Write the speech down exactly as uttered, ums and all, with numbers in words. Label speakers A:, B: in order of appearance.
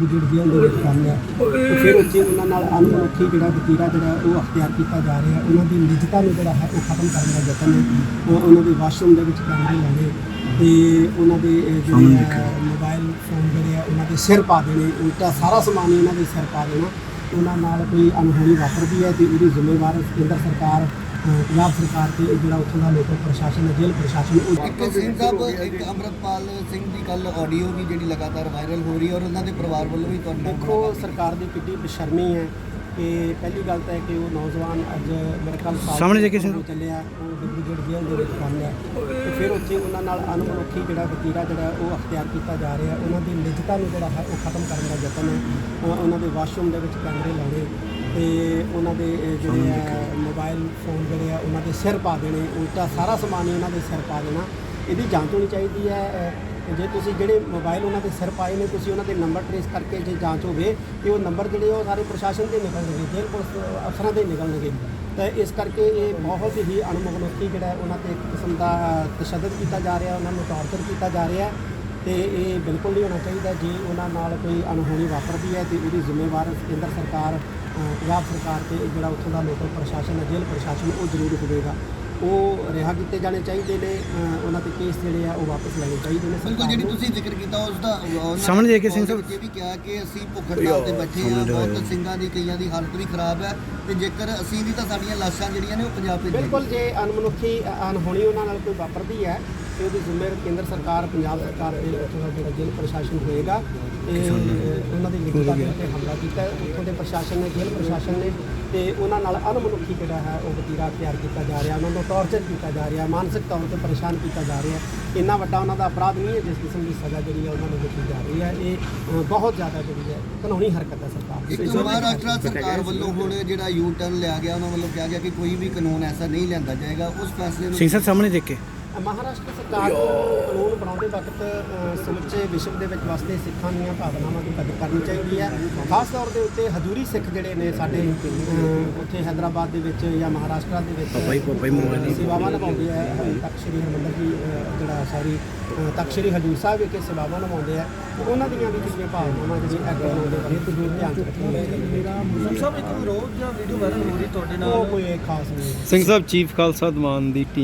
A: Deputy ਜੇਲ੍ਹ ਦੇ ਵਿੱਚ ਕੰਮ ਹੈ ਤੇ ਫਿਰ ਉੱਥੇ ਉਹਨਾਂ ਨਾਲ ਅਨਮਨੁੱਖੀ ਜਿਹੜਾ ਵਤੀਰਾ ਜਿਹੜਾ ਉਹ ਅਖਤਿਆਰ ਕੀਤਾ ਜਾ ਰਿਹਾ। ਉਹਨਾਂ ਦੀ ਨਿੱਜਤਾ ਨੂੰ ਜਿਹੜਾ ਹੈ ਉਹ ਖਤਮ ਕਰਨ ਦਾ ਯਤਨ ਹੈ। ਉਹਨਾਂ ਦੇ ਵਾਸ਼ਰੂਮ ਦੇ ਵਿੱਚ ਕੈਮਰੇ ਲਾਉਣੇ ਤੇ ਉਹਨਾਂ ਦੇ ਜਿਹੜੇ ਮੋਬਾਈਲ ਫੋਨ ਜਿਹੜੇ ਆ ਉਹਨਾਂ ਦੇ ਸਿਰ ਪਾ ਦੇਣੇ, ਉਲਟਾ ਸਾਰਾ ਸਮਾਨ ਹੀ ਉਹਨਾਂ ਦੇ ਸਿਰ ਪਾ ਦੇਣਾ। ਉਹਨਾਂ ਨਾਲ ਕੋਈ ਅਣਹੋਣੀ ਵਾਪਰਦੀ ਹੈ ਤੇ ਉਹਦੀ ਜ਼ਿੰਮੇਵਾਰ ਕੇਂਦਰ ਸਰਕਾਰ, ਪੰਜਾਬ ਸਰਕਾਰ ਤੇ ਜਿਹੜਾ ਉੱਥੋਂ ਦਾ ਲੋਕਲ ਪ੍ਰਸ਼ਾਸਨ ਹੈ, ਜੇਲ੍ਹ ਪ੍ਰਸ਼ਾਸਨ। ਉਹ
B: ਇੱਕ ਸਿੰਘ ਸਾਹਿਬ, ਇੱਕ ਅੰਮ੍ਰਿਤਪਾਲ ਸਿੰਘ ਦੀ ਕੱਲ ਆਡੀਓ ਵੀ ਜਿਹੜੀ ਲਗਾਤਾਰ ਵਾਇਰਲ ਹੋ ਰਹੀ ਹੈ ਔਰ ਉਹਨਾਂ ਦੇ ਪਰਿਵਾਰ ਵੱਲੋਂ ਵੀ ਤੁਹਾਡੇ ਨਾਲ
A: ਦੇਖੋ ਸਰਕਾਰ ਦੀ ਕਿੱਡੀ ਬੇਸ਼ਰਮੀ ਹੈ ਕਿ ਪਹਿਲੀ ਗੱਲ ਤਾਂ ਹੈ ਕਿ ਉਹ ਨੌਜਵਾਨ ਅੱਜ ਮੇਰੇ ਕੱਲ੍ਹ
C: ਸਾਹਮਣੇ ਜੇ ਕਿਸੇ
A: ਚੱਲਿਆ ਉਹ ਡਿਪਟੀ ਜੇਲ੍ਹ ਦੇ ਵਿੱਚ ਕੰਮ ਹੈ ਤੇ ਫਿਰ ਉੱਥੇ ਉਹਨਾਂ ਨਾਲ ਅਨਮਨੁੱਖੀ ਜਿਹੜਾ ਵਤੀਰਾ ਜਿਹੜਾ ਉਹ ਅਖਤਿਆਰ ਕੀਤਾ ਜਾ ਰਿਹਾ। ਉਹਨਾਂ ਦੀ ਨਿੱਜਤਾ ਨੂੰ ਜਿਹੜਾ ਹੈ ਉਹ ਖਤਮ ਕਰਨ ਦਾ ਯਤਨ ਹੈ। ਉਹਨਾਂ ਦੇ ਵਾਸ਼ਰੂਮ ਦੇ ਵਿੱਚ ਕੈਮਰੇ ਲਾਉਣੇ ਤੇ ਉਹਨਾਂ ਦੇ ਜਿਹੜੇ ਆ ਮੋਬਾਈਲ ਫੋਨ ਜਿਹੜੇ ਆ ਉਹਨਾਂ ਦੇ ਸਿਰ ਪਾ ਦੇਣੇ, ਉਲਟਾ ਸਾਰਾ ਸਮਾਨ ਹੀ ਉਹਨਾਂ ਦੇ ਸਿਰ ਪਾ ਦੇਣਾ। ਇਹਦੀ ਜਾਂਚ ਹੋਣੀ ਚਾਹੀਦੀ ਹੈ। ਜੇ ਤੁਸੀਂ ਜਿਹੜੇ ਮੋਬਾਈਲ ਉਹਨਾਂ ਦੇ ਸਿਰ ਪਾਏ ਨੇ ਤੁਸੀਂ ਉਹਨਾਂ ਦੇ ਨੰਬਰ ਟਰੇਸ ਕਰਕੇ ਜੇ ਜਾਂਚ ਹੋਵੇ ਕਿ ਉਹ ਨੰਬਰ ਜਿਹੜੇ ਉਹ ਸਾਰੇ ਪ੍ਰਸ਼ਾਸਨ ਦੇ ਨਿਕਲਣਗੇ, ਜੇਲ੍ਹ ਪੁਲਿਸ ਅਫਸਰਾਂ ਦੇ ਨਿਕਲਣਗੇ। ਤਾਂ ਇਸ ਕਰਕੇ ਇਹ ਬਹੁਤ ਹੀ ਅਣਮਨੁੱਖੀ ਜਿਹੜਾ ਉਹਨਾਂ 'ਤੇ ਇੱਕ ਕਿਸਮ ਦਾ ਤਸ਼ੱਦਦ ਕੀਤਾ ਜਾ ਰਿਹਾ, ਉਹਨਾਂ ਨੂੰ ਟਾਰਚਰ ਕੀਤਾ ਜਾ ਰਿਹਾ ਤੇ ਇਹ ਬਿਲਕੁਲ ਨਹੀਂ ਹੋਣਾ ਚਾਹੀਦਾ। ਜੇ ਉਹਨਾਂ ਨਾਲ ਕੋਈ ਅਣਹੋਣੀ ਵਾਪਰਦੀ ਹੈ ਤੇ ਉਹਦੀ ਜ਼ਿੰਮੇਵਾਰ ਕੇਂਦਰ ਸਰਕਾਰ, ਪੰਜਾਬ ਸਰਕਾਰ ਤੇ ਜਿਹੜਾ ਉੱਥੋਂ ਦਾ ਲੋਕਲ ਪ੍ਰਸ਼ਾਸਨ ਹੈ, ਜੇਲ੍ਹ ਪ੍ਰਸ਼ਾਸਨ, ਉਹ ਜ਼ਰੂਰ ਹੋਵੇਗਾ। ਉਹ ਰਿਹਾ ਕੀਤੇ ਜਾਣੇ ਚਾਹੀਦੇ ਨੇ, ਉਹਨਾਂ ਦੇ ਕੇਸ ਜਿਹੜੇ ਆ ਉਹ ਵਾਪਸ ਲੈਣੇ ਚਾਹੀਦੇ ਨੇ।
B: ਬਿਲਕੁਲ, ਜਿਹੜੀ ਤੁਸੀਂ ਜ਼ਿਕਰ ਕੀਤਾ ਉਸ ਦਾ
C: ਸਾਹਮਣੇ ਦੇ ਕੇ ਸਿੰਘ ਸਾਹਿਬ
B: ਇਹ ਵੀ ਕਿਹਾ ਕਿ ਅਸੀਂ ਭੁੱਖ ਹੜਤਾਲ ਤੇ ਬੈਠੇ ਹਾਂ, ਬਹੁਤ ਸਿੰਘਾਂ ਦੀ ਕਈਆਂ ਦੀ ਹਾਲਤ ਵੀ ਖਰਾਬ ਹੈ ਤੇ ਜੇਕਰ ਅਸੀਂ ਵੀ ਤਾਂ ਸਾਡੀਆਂ ਲਾਸ਼ਾਂ ਜਿਹੜੀਆਂ ਨੇ ਉਹ ਪੰਜਾਬ ਭੇਜੀਆਂ।
A: ਬਿਲਕੁਲ, ਜੇ ਅਣਮਨੁੱਖੀ ਅਣਹੋਣੀ ਉਹਨਾਂ ਨਾਲ ਕੋਈ ਵਾਪਰਦੀ ਹੈ ਤੇ ਉਹਦੀ ਜ਼ਿੰਮੇਵਾਰ ਕੇਂਦਰ ਸਰਕਾਰ, ਪੰਜਾਬ ਸਰਕਾਰ ਤੇ ਉੱਥੋਂ ਦਾ ਜਿਹੜਾ ਜੇਲ੍ਹ ਪ੍ਰਸ਼ਾਸਨ ਹੋਏਗਾ। ਇਹ ਉਹਨਾਂ ਦੀ ਨਿੱਜਤਾ ਦੇ ਉੱਤੇ ਹਮਲਾ ਕੀਤਾ ਉੱਥੋਂ ਦੇ ਪ੍ਰਸ਼ਾਸਨ ਨੇ, ਜੇਲ੍ਹ ਪ੍ਰਸ਼ਾਸਨ ਨੇ, ਤੇ ਉਹਨਾਂ ਨਾਲ ਅਣਮਨੁੱਖੀ ਜਿਹੜਾ ਹੈ ਉਹ ਵਤੀਰਾ ਤਿਆਰ ਕੀਤਾ ਜਾ ਰਿਹਾ, ਉਹਨਾਂ ਨੂੰ ਟਾਰਚਰ ਕੀਤਾ ਜਾ ਰਿਹਾ, ਮਾਨਸਿਕ ਤੌਰ 'ਤੇ ਪਰੇਸ਼ਾਨ ਕੀਤਾ ਜਾ ਰਿਹਾ। ਇੰਨਾ ਵੱਡਾ ਉਹਨਾਂ ਦਾ ਅਪਰਾਧ ਨਹੀਂ ਹੈ ਜਿਸ ਕਿਸਮ ਦੀ ਸਜ਼ਾ ਜਿਹੜੀ ਹੈ ਉਹਨਾਂ ਨੂੰ ਦਿੱਤੀ ਜਾ ਰਹੀ ਹੈ। ਇਹ ਬਹੁਤ ਜ਼ਿਆਦਾ ਜਿਹੜੀ ਹੈ ਕਾਨੂੰਨੀ ਹਰਕਤ ਹੈ ਸਰਕਾਰ ਦੀ।
B: ਇੱਕ ਮਹਾਰਾਸ਼ਟਰ ਸਰਕਾਰ ਵੱਲੋਂ ਹੁਣ ਜਿਹੜਾ ਯੂ ਟਰਨ ਲਿਆ ਗਿਆ, ਉਹਨਾਂ ਵੱਲੋਂ ਕਿਹਾ ਗਿਆ ਕਿ ਕੋਈ ਵੀ ਕਾਨੂੰਨ ਐਸਾ ਨਹੀਂ ਲਿਆਂਦਾ ਜਾਏਗਾ। ਉਸ ਫੈਸਲੇ ਨੂੰ
C: ਸਿੰਘ ਸਾਹਿਬ ਸਾਹਮਣੇ ਦੇਖ ਕੇ
A: ਮਹਾਰਾਸ਼ਟਰ ਸਰਕਾਰ ਨੂੰ ਕਾਨੂੰਨ ਬਣਾਉਂਦੇ ਵਕਤ ਸਮੁੱਚੇ ਵਿਸ਼ਵ ਦੇ ਵਿੱਚ ਵਸਦੇ ਸਿੱਖਾਂ ਦੀਆਂ ਭਾਵਨਾਵਾਂ ਦੀ ਕਦਰ ਕਰਨੀ ਚਾਹੀਦੀ ਹੈ। ਖਾਸ ਤੌਰ ਦੇ ਉੱਤੇ ਹਜ਼ੂਰੀ ਸਿੱਖ ਜਿਹੜੇ ਨੇ ਸਾਡੇ ਉੱਥੇ ਹੈਦਰਾਬਾਦ ਦੇ ਵਿੱਚ ਜਾਂ ਮਹਾਰਾਸ਼ਟਰ ਦੇ ਵਿੱਚ ਸੇਵਾਵਾਂ ਨਿਭਾਉਂਦੇ ਆ। ਤਖਤ ਸ਼੍ਰੀ ਹਰਿਮੰਦਰ ਜੀ ਜਿਹੜਾ ਸੌਰੀ ਤਖਤ ਸ਼੍ਰੀ ਹਜ਼ੂਰ ਸਾਹਿਬ ਵਿਖੇ ਸੇਵਾਵਾਂ ਨਿਭਾਉਂਦੇ ਆ, ਉਹਨਾਂ ਦੀਆਂ ਵੀ ਜਿਹੜੀਆਂ ਭਾਵਨਾਵਾਂ ਜਿਹੜੀਆਂ ਐਕਟ ਬਣਾਉਂਦੇ ਬਾਰੇ ਜ਼ਰੂਰ ਧਿਆਨ 'ਚ ਰੱਖਣੀ।
B: ਸਭ ਇੱਕ ਵਿਰੋਧ ਜਾਂ ਵੀਡੀਓ ਵਾਇਰਲ ਹੋ ਰਹੀ ਤੁਹਾਡੇ ਨਾਲ,
A: ਉਹ ਕੋਈ ਖਾਸ ਨਹੀਂ।
C: ਸਿੰਘ ਸਾਹਿਬ ਚੀਫ ਖਾਲਸਾ ਦੀਵਾਨ ਦੀ ਟੀਮ